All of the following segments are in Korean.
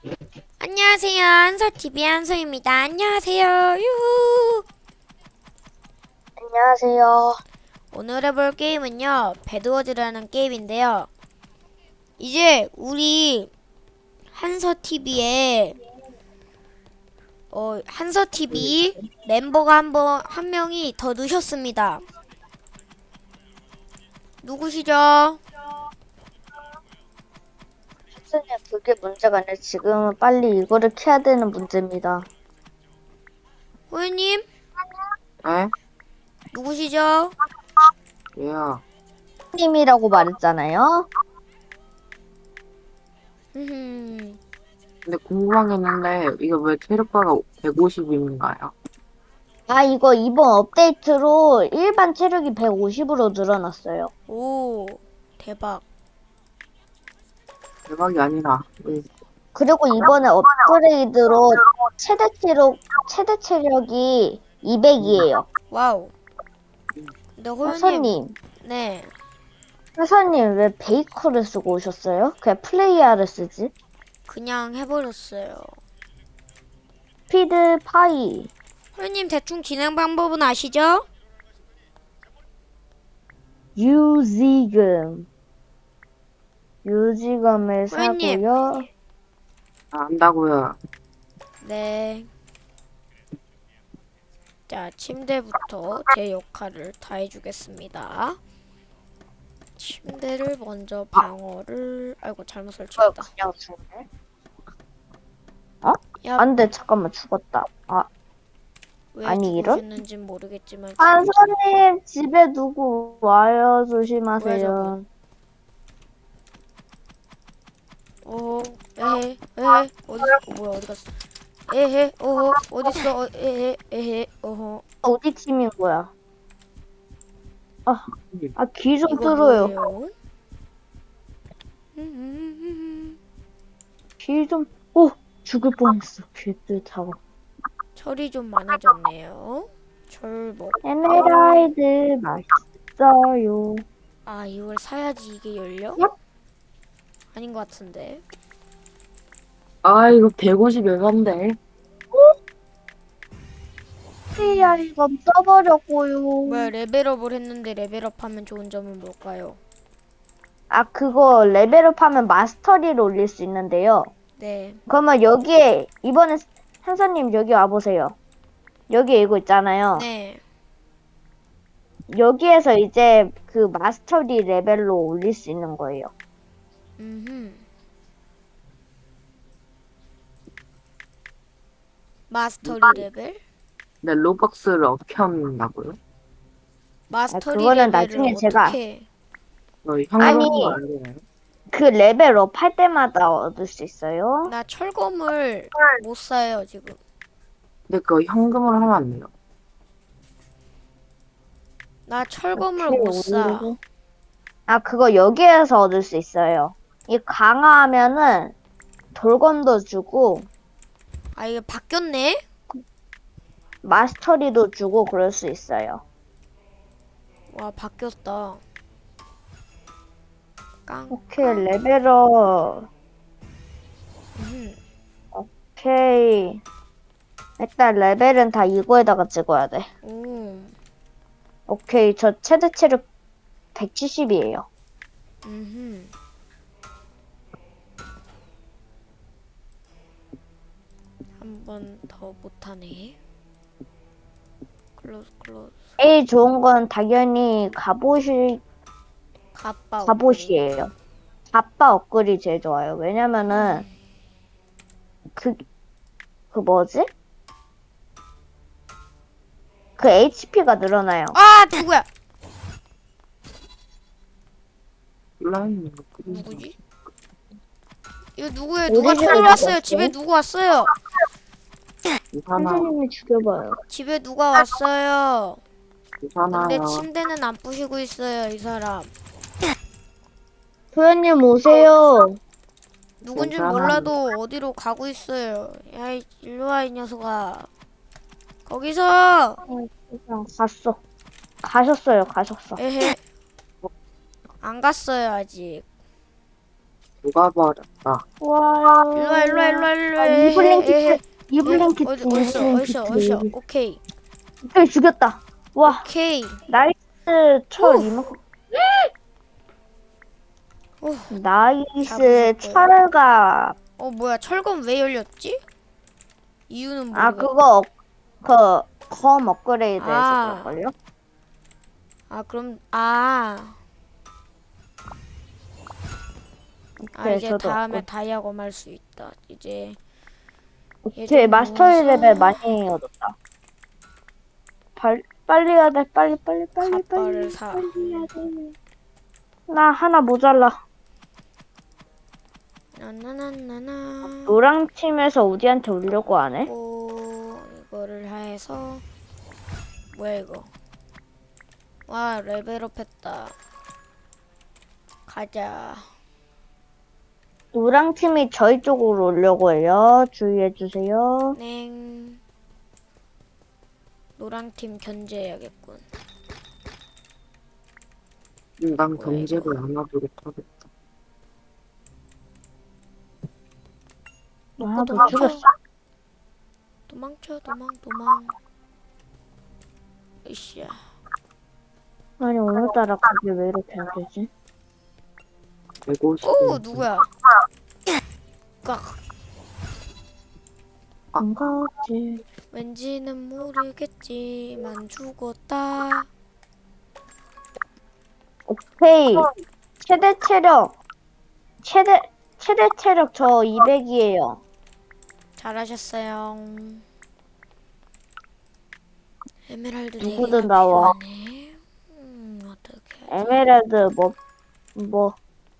안녕하세요. 한서TV 한서입니다. 안녕하세요. 유후. 안녕하세요. 오늘 해볼 게임은요. 배드워즈라는 게임인데요. 이제 우리 한서TV에 한서TV 멤버가 한 명이 더 넣으셨습니다. 누구시죠? 선생님, 그게 문제가 아니라 지금은 빨리 이거를 켜야 되는 문제입니다. 호연님? 에? 누구시죠? 얘야. 님이라고 말했잖아요. 흠흠. 근데 궁금한 게 있는데, 이거 왜 체력바가 150인가요? 아, 이거 이번 업데이트로 일반 체력이 150으로 늘어났어요. 오, 대박. 대박이 아니라, 그리고 이번에 업그레이드로 최대 체력이 200이에요. 와우. 근데 호연님, 회사님, 네. 회사님 왜 베이커를 쓰고 오셨어요? 그냥 플레이어를 쓰지? 그냥 해버렸어요. 스피드 파이, 호연님 대충 진행 방법은 아시죠? 유지금. 유지금을 호연님. 사고요. 안다고요. 네. 자, 침대부터 제 역할을 다 해주겠습니다. 침대를 먼저 방어를 아이고 잘못 설치했다. 그냥 죽네. 어? 야, 안 돼, 잠깐만, 죽었다. 아, 왜 아니, 이런? 죽으셨는진 모르겠지만 한선님, 집에 누구 와요? 뭐야 조심하세요. 저건? 에헤 에헤 뭐야 어디 갔어? 에헤 어딨어? 에헤 에헤 어디 팀인 거야? 귀 좀 이거 뚫어요. 뭐예요? 귀 좀, 오! 죽을 뻔했어. 귀 뚫다가. 철이 좀 많아졌네요. 철 먹고 에메랄드 맛있어요. 아 이걸 사야지 이게 열려? 얍. 아닌 것 같은데. 아, 이거 150 에반데. 야, 이거 써버렸고요. 뭐야 레벨업을 했는데 레벨업하면 좋은 점은 뭘까요? 아, 그거 레벨업 하면 마스터리를 올릴 수 있는데요. 네. 그러면 여기에, 이번에 한선님 여기 와보세요. 여기 이거 있잖아요. 네. 여기에서 이제 그 마스터리 레벨로 올릴 수 있는 거예요. 음흠. 마스터리 레벨? 근데 로벅스를 어떻게 한다고요? 마스터리 그거는 레벨을 나중에 제가 어떻게? 현금으로 안 되나요? 그 레벨업 할 때마다 얻을 수 있어요. 나 철검을 못 사요 지금. 근데 그거 현금으로 하면 안 돼요. 나 철검을 이렇게 못 사. 올리고. 아, 그거 여기에서 얻을 수 있어요. 이 강화하면은 돌검도 주고 아 이게 바뀌었네? 마스터리도 주고 그럴 수 있어요. 와 바뀌었다. 깡. 오케이, 레벨업. 음. 오케이. 일단 레벨은 다 이거에다가 찍어야 돼. 오. 오케이, 저 최대 체력 170이에요. 음. 한 번 더 못하네. 클로즈. 제일 좋은 건 당연히 갑옷이 갑바 갑옷이에요. 갑바 업글이 제일 좋아요. 왜냐면은 그 뭐지? 그 HP가 늘어나요. 아 누구야? 온라인 누구지? 이거 누구예요? 우리 누가 집에 쳐들어왔어요? 누구 집에 왔어요? 누구 왔어요? 괜찮아. 선생님이 죽여봐요. 집에 누가 왔어요? 근데 괜찮아요. 침대는 안 부시고 있어요 이 사람. 소연님 오세요. 누군지 괜찮아요. 몰라도 어디로 가고 있어요. 야 일로 와 이 녀석아. 거기서. 그냥 갔어. 가셨어요. 가셨어. 에헤. 안 갔어요 아직. 누가 버렸다. 와. 일로와 일로와 일로와 일로와. 이블린 에헤. 키트. 이블린 키트. 어디 어디서. 오케이 또 죽였다. 와. 오케이. 나이스 철 오. 이만큼. 오. 나이스 잡으셨고요. 철가. 뭐야 철검 왜 열렸지? 이유는 아 모르겠. 그거 검 업그레이드해서 아. 그럴걸요? 그럼 오케이 이제 저도 다음에 업그- 다이아검 할 수 있다. 이제 오케이 얘좀 마스터 모아서 레벨 많이 얻었다. 빨리 해야 돼. 빨리 갑바를 사. 빨리 해야 돼. 나 하나 모자라. 나나나나나. 노랑 팀에서 우디한테 오려고 하네. 이거를 해서 뭐야 이거? 와 레벨업 했다. 가자. 노랑 팀이 저희 쪽으로 오려고 해요. 주의해 주세요. 냉. 노랑팀 견제해야겠군. 난 뭐야, 경제를 안 하도록 하겠다. 아, 못 도망쳐. 죽였어. 도망. 으쌰. 아니 오늘따라 그게 왜 이렇게 안 되지? 150. 누구야? 깍. 안 가지. 왠지는 모르겠지만 죽었다. 오케이. 최대 체력 저 200이에요. 잘하셨어요. 에메랄드 누구든 4개가 나와. 필요하네. 어떡해. 에메랄드 뭐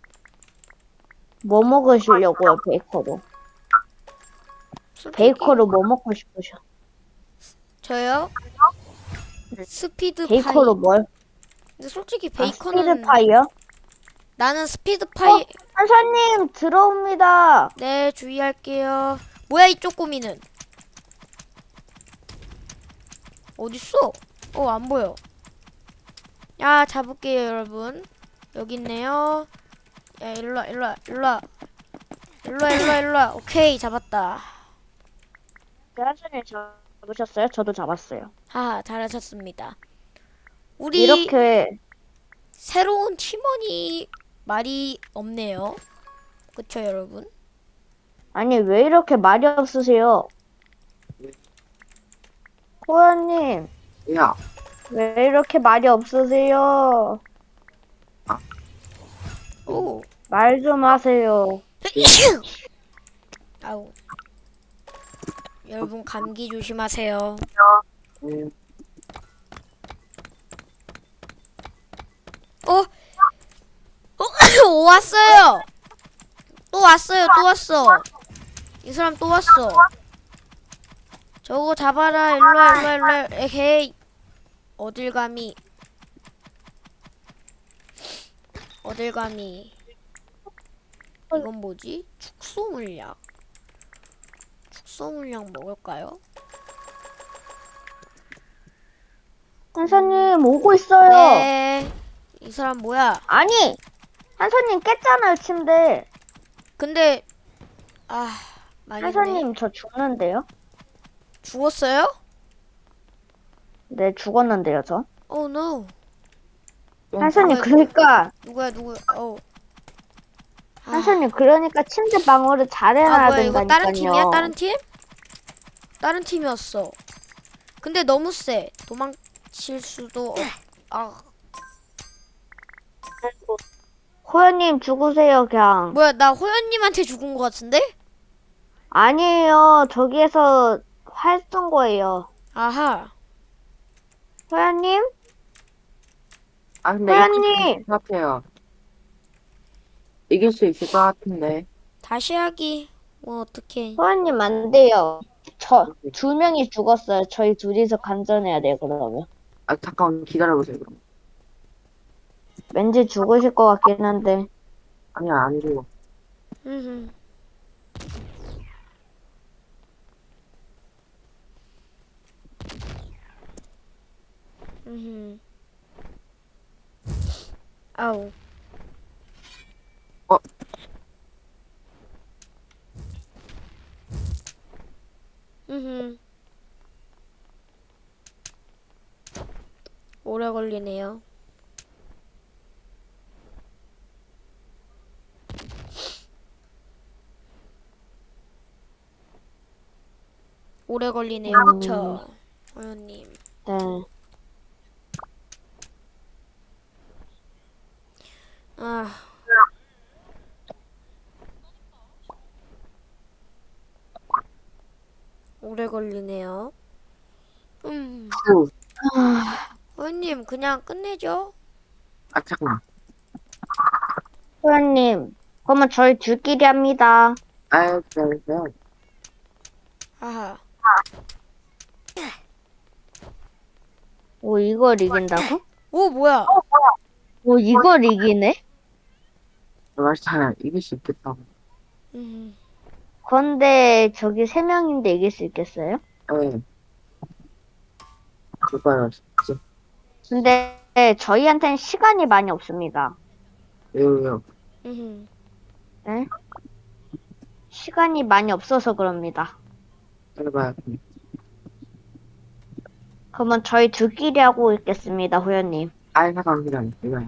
먹으시려고요, 베이커로. 솔직히 베이커로 뭐 먹고 싶으셔? 저요? 스피드 베이커로 파이. 뭘? 근데 솔직히 아, 베이컨은 스피드 파이요? 나는 스피드 파이. 한사님 들어옵니다. 네, 주의할게요. 뭐야 이 쪼꼬미는? 어딨어? 안 보여. 야, 잡을게요, 여러분. 여기 있네요. 야, 일로와. 오케이, 잡았다. 한사님 잡으셨어요? 저도 잡았어요. 하하, 잘하셨습니다. 우리 이렇게 새로운 팀원이 말이 없네요. 그쵸, 여러분? 아니 왜 이렇게 말이 없으세요? 호연님 야, 왜 이렇게 말이 없으세요? 오. 말 좀 하세요. 아우. 여러분 감기 조심하세요. 음, 왔어요. 또 왔어. 이 사람 또 왔어. 저거 잡아라. 일로와. 에헤이. 어딜 감히. 이건 뭐지? 축소물약. 축소물약 먹을까요? 한사님 오고 있어요. 네. 이 사람 뭐야? 아니 한사님 깼잖아요 침대. 근데 망했네. 한사님 저 죽는데요? 죽었어요? 네 죽었는데요 저. Oh no. 한사님 누구야, 그러니까 누구야? 한사님 그러니까 침대 방어를 잘해놔야 뭐야 이거 다른 팀이야? 된다니까요. 다른 팀? 다른 팀이었어. 근데 너무 세. 도망칠 수도 호연님 죽으세요 그냥. 뭐야 나 호연님한테 죽은 것 같은데? 아니에요 저기에서 활 쏜 거예요. 아하. 호연님? 근데 호연님! 이길 것 같아요. 이길 수 있을 것 같은데. 다시 하기. 뭐 어떡해. 호연님 안 돼요. 저 2명이 죽었어요. 저희 둘이서 간전해야 돼요 그러면. 잠깐 기다려보세요, 그럼. 왠지 죽으실 것 같긴 한데. 아니야, 안 죽어. 음흠. 음흠. 아우. 음. 오래 걸리네요. 오래 걸리네요, 그쵸? 어연님. 네. 아, 오래 걸리네요. 후. 어연님, 그냥 끝내죠? 아, 잠깐만. 소연님, 그러면 저희 둘끼리 합니다. 아, 하하. 오, 이걸 이긴다고? 오, 뭐야? 오, 이걸 이기네? 말잖아. 이길 수 있겠다고. 음, 그런데 저기 3명인데 이길 수 있겠어요? 네. 그거요, 진짜. 근데 저희한테는 시간이 많이 없습니다. 왜요? 음. 네? 시간이 많이 없어서 그럽니다. 해봐요. 그러면 저희 둘끼리 하고 있겠습니다, 호연님. 아, 잠깐만, 기다려. 이거요.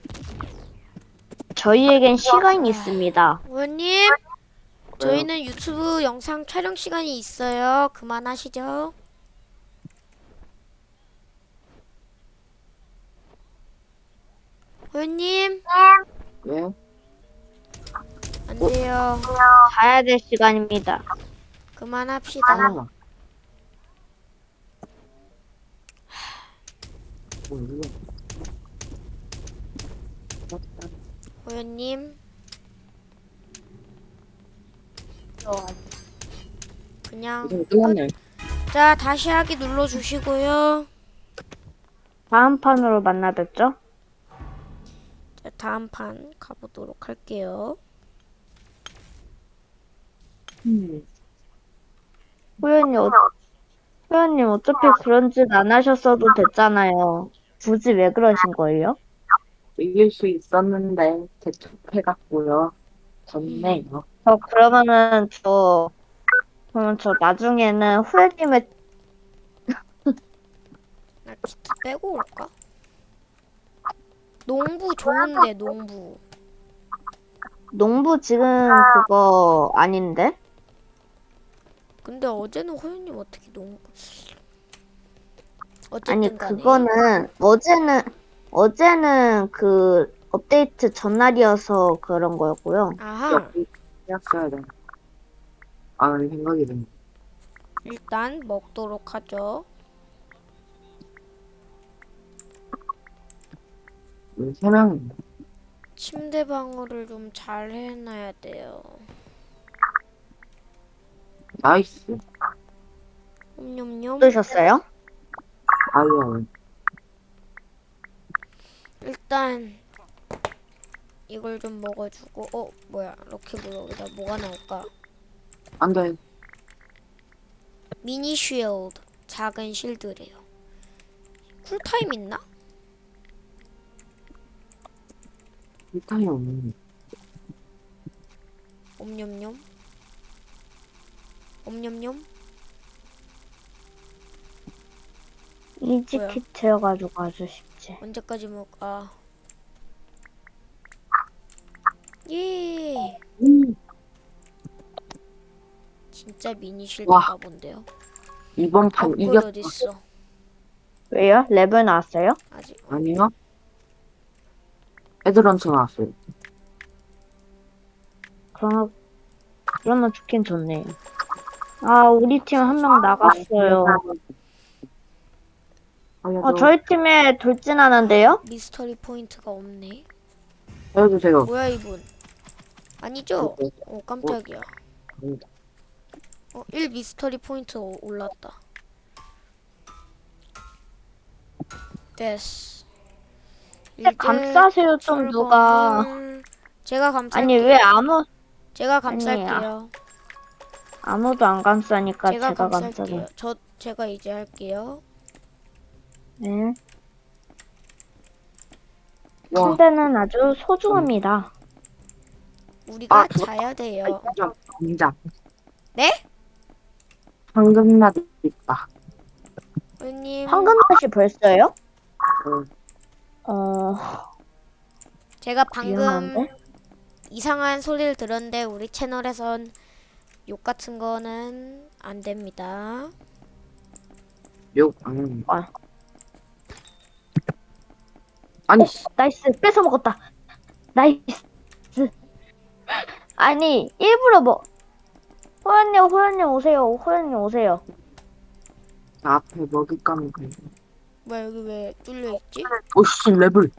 저희에겐 시간이 있습니다. 어연님, 저희는 유튜브 영상 촬영 시간이 있어요. 그만하시죠. 어연님, 왜? 안 돼요. 가야 될 시간입니다. 그만합시다. 아. 뭐, 이거. 호연님, 그냥 이제 끝났네. 자, 다시 하기 눌러주시고요. 다음 판으로 만나 뵙죠? 자, 다음 판 가보도록 할게요. 호연님 어차피 그런 짓 안 하셨어도 됐잖아요. 굳이 왜 그러신 거예요? 이길 수 있었는데, 대충해갖고요. 졌네요. 그러면 저 나중에는 호연님의 나 키트 빼고 올까? 농부 좋은데, 농부. 농부 지금 그거 아닌데? 근데 어제는 호연님 어떻게 농부. 아니, 어쨌든 간에. 어제는 그 업데이트 전날이어서 그런 거였고요. 아하. 했어야 돼. 아, 생각이 드네. 일단 먹도록 하죠. 세 명이. 침대 방어를 좀 잘 해놔야 돼요. 나이스. 옴뇸뇸. 어떠셨어요? 아유, 일단 이걸 좀 먹어주고. 뭐야, 럭키블럭에다 뭐가 나올까? 안 돼. 미니 쉴드. 작은 실드래요. 쿨타임 있나? 일타이 없네. 옴뇸뇸. 옴뇸뇸. 이지키트여가지고 아주 쉽지. 언제까지 먹아? 예. 진짜 미니 쉴드가 본데요. 이번 판 업글 이겼, 어딨어? 왜요? 레벨 나왔어요? 아직. 아니요? 헤드런처 나왔어요. 그러면 좋긴 좋네요. 아, 우리 팀 한 명 나갔어요. 저희 팀에 돌진하는데요? 미스터리 포인트가 없네. 해주세요. 뭐야 이분? 아니죠? 깜짝이야. 1 미스터리 포인트 올랐다. 됐어. 감싸세요 좀 누가. 제가 감쌀게요. 아니 왜 제가 감쌀게요. 아무도 안 감싸니까 제가 제가 감쌀게요. 감싸네. 제가 이제 할게요. 네. 와. 침대는 아주 소중합니다. 우리가 아, 그거- 자야 돼요. 인정. 네? 황금맛 있다. 호연님, 황금맛이 벌써요? 어, 제가 방금 위험한데? 이상한 소리를 들었는데 우리 채널에선 욕 같은 거는 안 됩니다. 욕 안. 아. 아니, 씨. 나이스. 뺏어 먹었다. 나이스. 아니, 일부러 뭐. 호연님 오세요. 호연님 오세요. 나 앞에 먹잇감이 그래. 뭐야 여기 왜 뚫려 있지? 오씨, 레벨.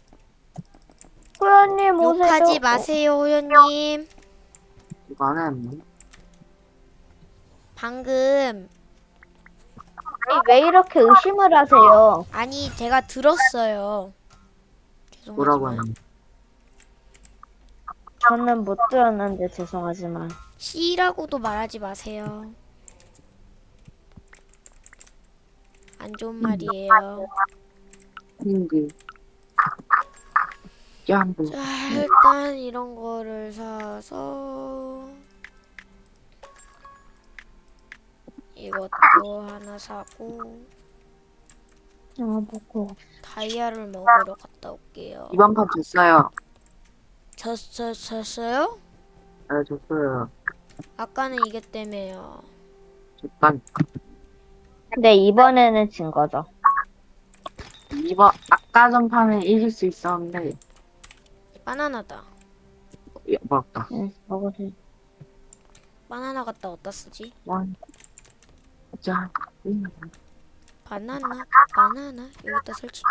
호연님 오세요. 욕하지 마세요, 호연님. 이거 안 했네. 방금 아니, 왜 이렇게 의심을 하세요? 아니 제가 들었어요. 뭐라고 죄송하지만 했네. 저는 못 들었는데 죄송하지만. C라고도 말하지 마세요. 안 좋은 말이에요. 핑크. 짱구. 자, 일단 이런 거를 사서 이것도 하나 사고 아, 먹고. 다이아를 먹으러 갔다 올게요. 이번 판 졌어요. 졌어요? 네, 졌어요. 아까는 이겼다며요. 졌단. 근데 이번에는 진 거죠. 이번, 아까 전 판에 이길 수 있었는데, 바나나다. 야, 먹었다. 응, 먹으세요. 바나나 갖다 어디다 쓰지? 원. 자, 바나나 여기다 설치.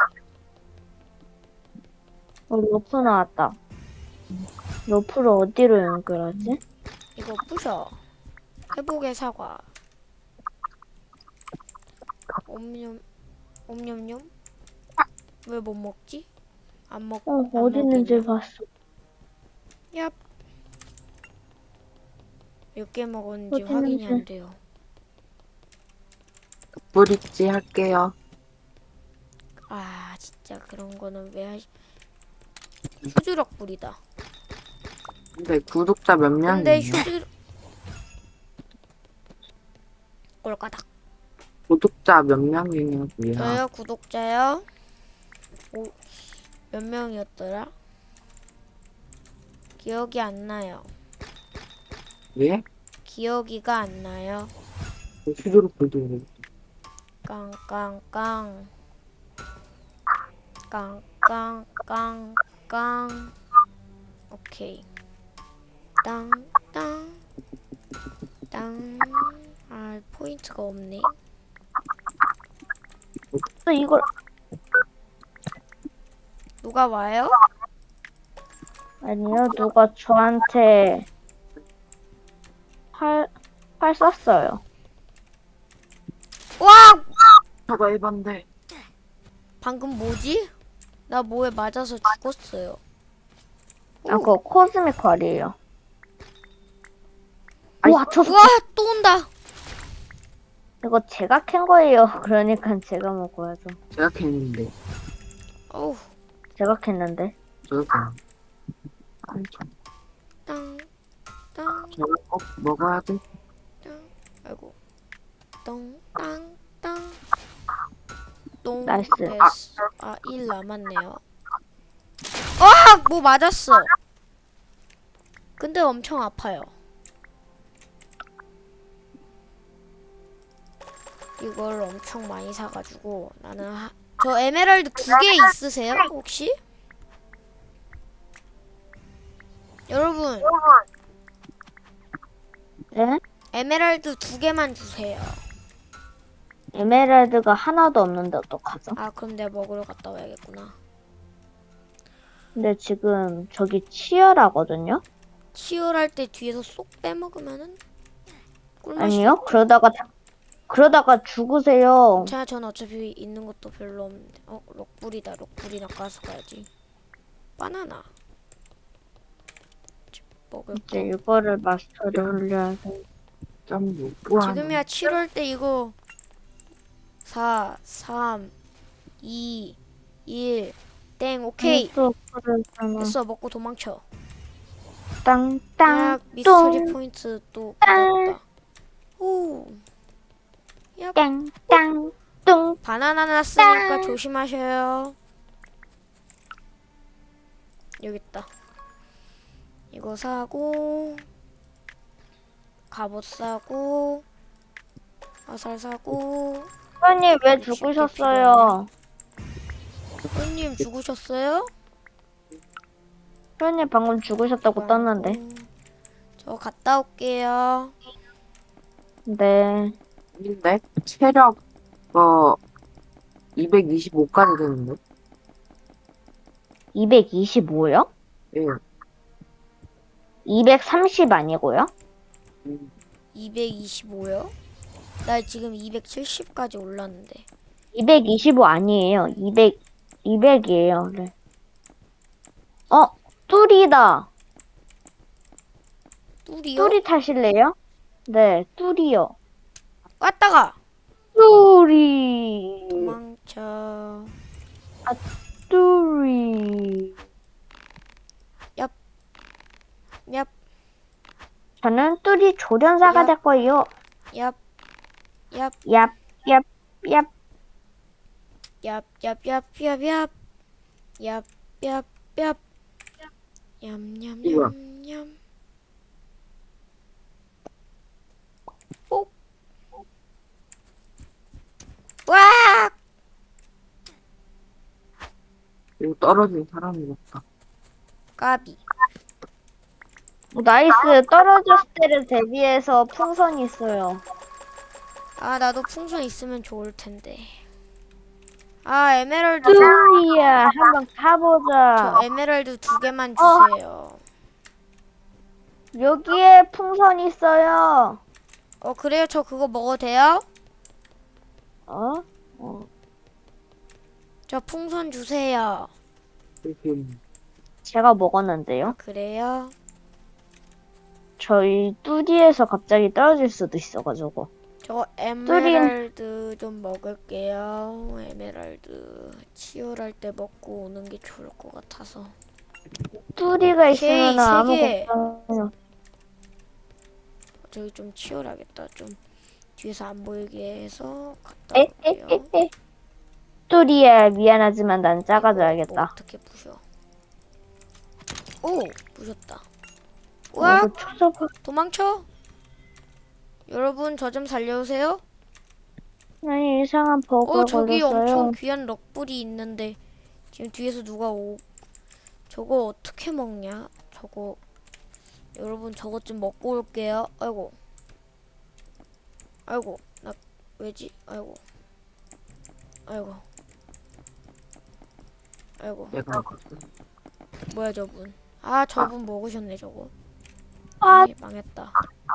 로프 나왔다. 로프를 어디로 연결하지? 이거 부셔. 회복의 사과. 옴뇸뇸. 왜 못 먹지? 안 먹. 안 어디 있는지 먹겠냐? 봤어. 얍. 몇 개 먹었는지 어디 확인이 있는지. 안 돼요. 브릿지 할게요. 아 진짜 그런 거는 왜 하시? 휴지력 뿌리다. 근데 구독자 몇 명이에요? 근데 휴지 꼴까닥. 구독자 몇 명이냐고요? 저요 구독자요. 몇 명이었더라? 기억이 안 나요. 예? 기억이가 안 나요. 휴대로 보여드리고. 깡깡깡 깡깡깡깡 오케이 땅땅 아 포인트가 없네. 또 이걸 누가 와요? 아니요, 누가 저한테 활 쐈어요. 와 저거 해봤는데. 방금 뭐지? 나 뭐에 맞아서 죽었어요. 아, 그거 코스믹 활이에요. 아이, 우와, 저 우와 또 온다. 이거 제가 캔 거예요. 그러니까 제가 먹어야죠. 제가 캤는데. 어우 제가 캤는데. 저도 캤. 아이, 땅땅 저거 꼭 먹어야 돼. 아이고 똥땅땅 똥 나이스. 됐어. 아, 1 남았네요. 아! 뭐 맞았어. 근데 엄청 아파요. 이걸 엄청 많이 사가지고 나는 저 에메랄드 2개 있으세요? 혹시? 여러분 네? 에메랄드 2개만 주세요. 에메랄드가 하나도 없는데 어떡하죠? 아 그럼 내가 먹으러 갔다 와야겠구나. 근데 지금 저기 치열하거든요? 치열할 때 뒤에서 쏙 빼먹으면은 꿀맛이. 아니요? 그러다가 죽으세요. 자, 전 어차피 있는 것도 별로 없는데. 록불이다. 록불이나 까서 가야지. 바나나. 먹을 거. 이제 이거를 마스터를 올려야 돼. 짬 뭐, 지금이야 7월 때 이거 4, 3, 2, 1, 땡. 오케이. 또 그러잖아. 됐어. 먹고 도망쳐. 땅땅 딱 미스터리 똥. 포인트 또 땅. 받았다. 오. 땡땅 뚱. 바나나 났으니까 짠. 조심하셔요. 여기 있다. 이거 사고 갑옷 사고 화살 사고. 회원님 왜 쉽게 죽으셨어요? 손님 죽으셨어요? 회원님 방금 죽으셨다고 떴는데. 저 갔다 올게요. 네. 근데 체력 225까지 되는데. 225요? 예. 230 아니고요? 225요? 나 지금 270까지 올랐는데. 225 아니에요. 200이에요. 네. 뚜리다. 뚜리요? 뚜리 타실래요? 네, 뚜리요. 왔다가 뚜리. 도망쳐. 뚜리. 얍, 저는 뚜리 조련사가 얍. 될 거예요. 얍, 얍, 얍, 얍, 얍. 얍, 얍, 얍, 얍, 얍, 얍, 얍, 얍, 우와. 냠냠냠냠. 오, 와! 그리고 떨어진 사람이 없다. 까비. 나이스. 떨어졌을 때를 대비해서 풍선이 있어요. 아, 나도 풍선 있으면 좋을 텐데. 아, 에메랄드. 뚜리야, 한번 가보자. 저 에메랄드 2개만 주세요. 여기에 풍선 있어요. 그래요? 저 그거 먹어도 돼요? 어? 저 풍선 주세요. 이렇게 제가 먹었는데요. 그래요? 저희 뚜디에서 갑자기 떨어질 수도 있어가지고. 저 에메랄드 좀 먹을게요. 에메랄드 치열할 때 먹고 오는 게 좋을 것 같아서. 뚜디가 오케이, 있으면 세 아무 개. 걱정. 저기 좀 치열하겠다. 좀 뒤에서 안 보이게 해서 갔다 올게요. 에에에에. 뚜리야, 미안하지만 난 작아져야겠다. 어떻게 부셔? 오, 부셨다. 우와, 이거 초소파. 도망쳐. 여러분 저 좀 살려주세요. 아니, 이상한 버그가 저기 걸렸어요. 엄청 귀한 럭불이 있는데 지금 뒤에서 누가 저거 어떻게 먹냐? 저거 여러분 저것 좀 먹고 올게요. 아이고 나 왜지? 아이고 내가 뭐야 저분? 아 저분 먹으셨네 저거. 아. 네, 망했다.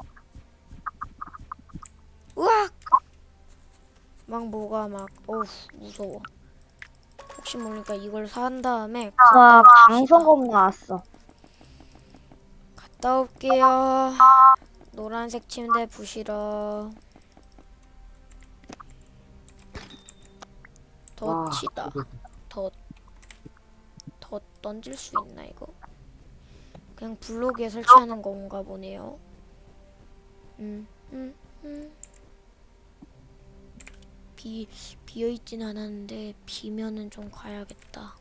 으악! 막 뭐가 막 어우 무서워. 혹시 모르니까 이걸 산 다음에 와, 갔다 옵시다. 강성검 나왔어. 갔다 올게요. 노란색 침대 부시러. 덫이다. 덫 던질 수 있나 이거? 그냥 블록에 설치하는 건가 보네요. 비어있진 않았는데 비면은 좀 가야겠다.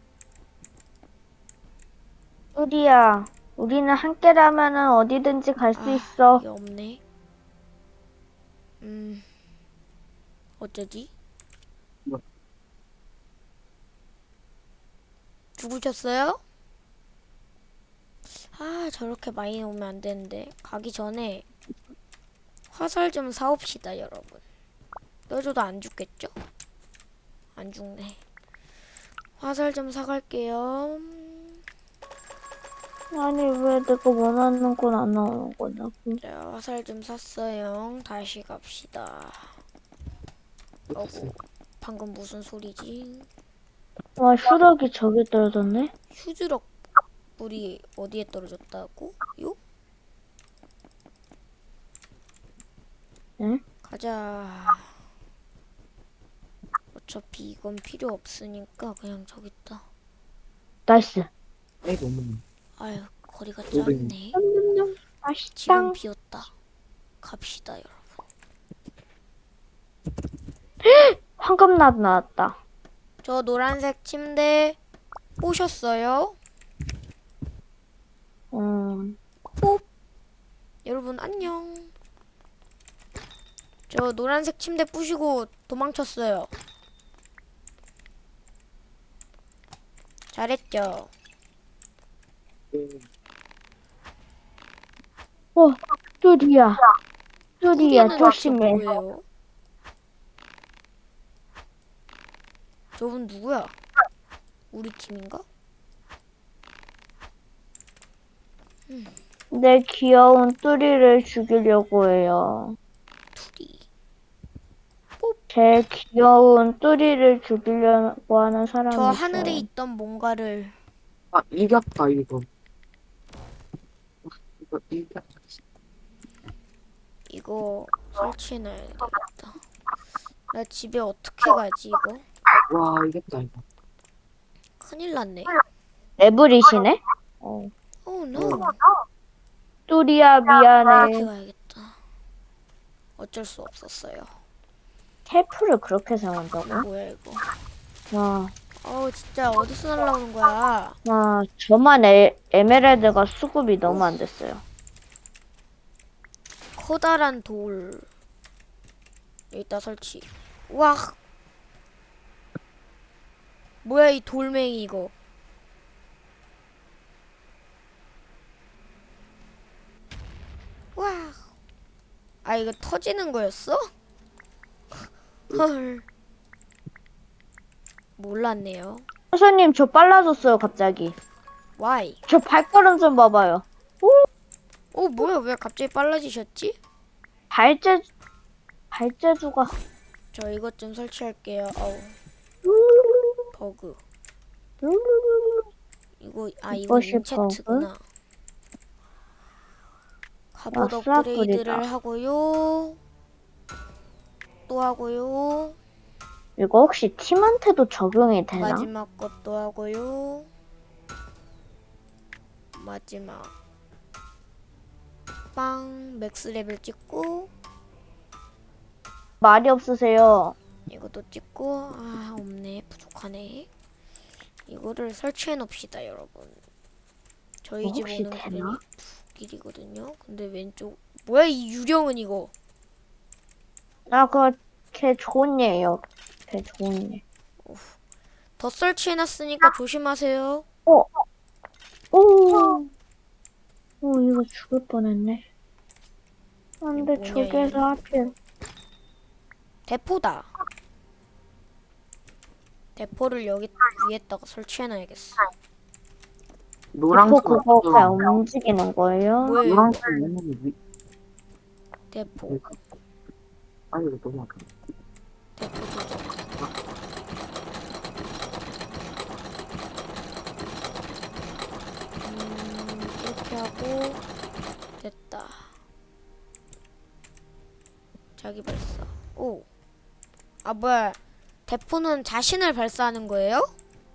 뚜리야, 우리는 함께라면은 어디든지 갈 수 있어. 이게 없네. 어쩌지? 뭐? 죽으셨어요? 아 저렇게 많이 오면 안 되는데. 가기 전에 화살 좀 사옵시다 여러분. 떠줘도 안 죽겠죠? 안 죽네. 화살 좀 사갈게요. 아니, 왜 내가 원하는 건 안 나오는 거냐? 자, 화살 좀 샀어요. 다시 갑시다. 어구, 방금 무슨 소리지? 와, 휴덕이 저기 떨어졌네? 휴즈럭 불이 어디에 떨어졌다고? 요? 응? 가자. 어차피 이건 필요 없으니까 그냥 저기 있다. 나이스. 아이 너무 아유, 거리가 오븐. 짧네. 맛있다. 지금 비었다. 갑시다, 여러분. 황금나무 나왔다. 저 노란색 침대 보셨어요? 뽀. 여러분 안녕. 저 노란색 침대 부시고 도망쳤어요. 잘했죠? 뚜리야. 뚜리야, 우리는 조심해. 대체 뭐예요? 저분 누구야? 우리 팀인가? 내 귀여운 뚜리를 죽이려고 해요. 둘이. 제 귀여운 뚜리를 죽이려고 하는 사람이 저 하늘에 있어요. 있던 뭔가를 아, 이겼다, 이거. 이거 이겼다. 이거 설치해놔야겠다. 나 집에 어떻게 가지 이거? 와, 이겼다, 이거. 큰일 났네. 레블이시네? 오 노. 뚜리야, 어떻게 미안해. 가야겠다. 어쩔 수 없었어요. 텔프를 그렇게 사용한다고? 뭐야 이거? 와, 진짜 어디서 날라오는 거야? 저만 에메랄드가 수급이 너무 안 됐어요. 커다란 돌. 여기다 설치. 와. 뭐야 이 돌멩이 이거. 와. 아 이거 터지는 거였어? 헐. 몰랐네요. 선생님, 저 빨라졌어요, 갑자기. Why? 저 발걸음 좀 봐봐요. 뭐야 왜 갑자기 빨라지셨지? 발재주가. 저 이것 좀 설치할게요. 버그. 이거 이거 이것이 인체트구나. 갑옷 아, 업그레이드를 싹구리다. 하고요. 또 하고요. 이거 혹시 팀한테도 적용이 되나? 마지막 것도 하고요. 마지막 빵 맥스 레벨 찍고 말이 없으세요. 이것도 찍고 없네 부족하네. 이거를 설치해 놓읍시다 여러분. 저희 집 혹시 오는 되나? 길이 두 길이거든요. 근데 왼쪽 뭐야 이 유령은 이거. 그거 걔 좋은 예예요. 걔 좋은 예. 더 설치해 놨으니까 조심하세요. 오, 이거 죽을 뻔했네. 안돼, 뭐냐, 저기에서 얘. 하필. 대포다. 대포를 여기 위에다가 설치해 놔야겠어. 노란색 그거 그냥 움직이는 거예요? 뭐예요? 노란색 있는 위. 대포. 아, 이거 너무 아파. 대포 조정. 이렇게 하고 됐다. 자기 발사. 뭐야? 대포는 자신을 발사하는 거예요?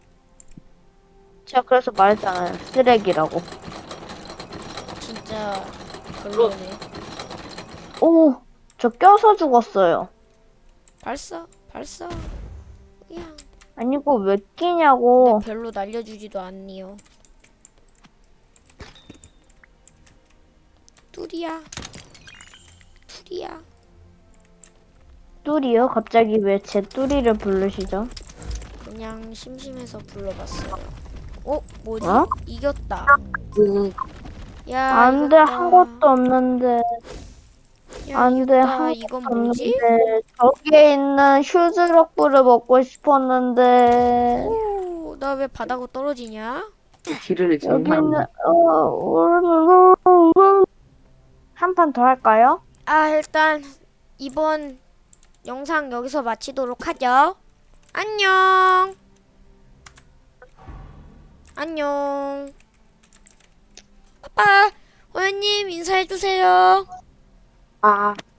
제가 그래서 말했잖아요. 쓰레기라고. 진짜 별로네. 저 껴서 죽었어요. 발사. 그냥 아니고 왜 끼냐고. 별로 날려주지도 않니요. 뚜리야. 뚜리요? 갑자기 왜 제 뚜리를 부르시죠? 그냥 심심해서 불러봤어요. 뭐지? 어? 이겼다. 그, 야, 안 돼, 이겼다. 한 것도 없는데. 야, 안 돼, 이겼다. 한 이건 것도 뭐지? 없는데. 저기에 있는 휴즈럭불을 먹고 싶었는데. 나 왜 바닥으로 떨어지냐? 길을 정말. 여기는, 한 판 더 할까요? 일단 이번 영상 여기서 마치도록 하죠. 안녕. 빠빠. 호연님 인사해주세요. 아.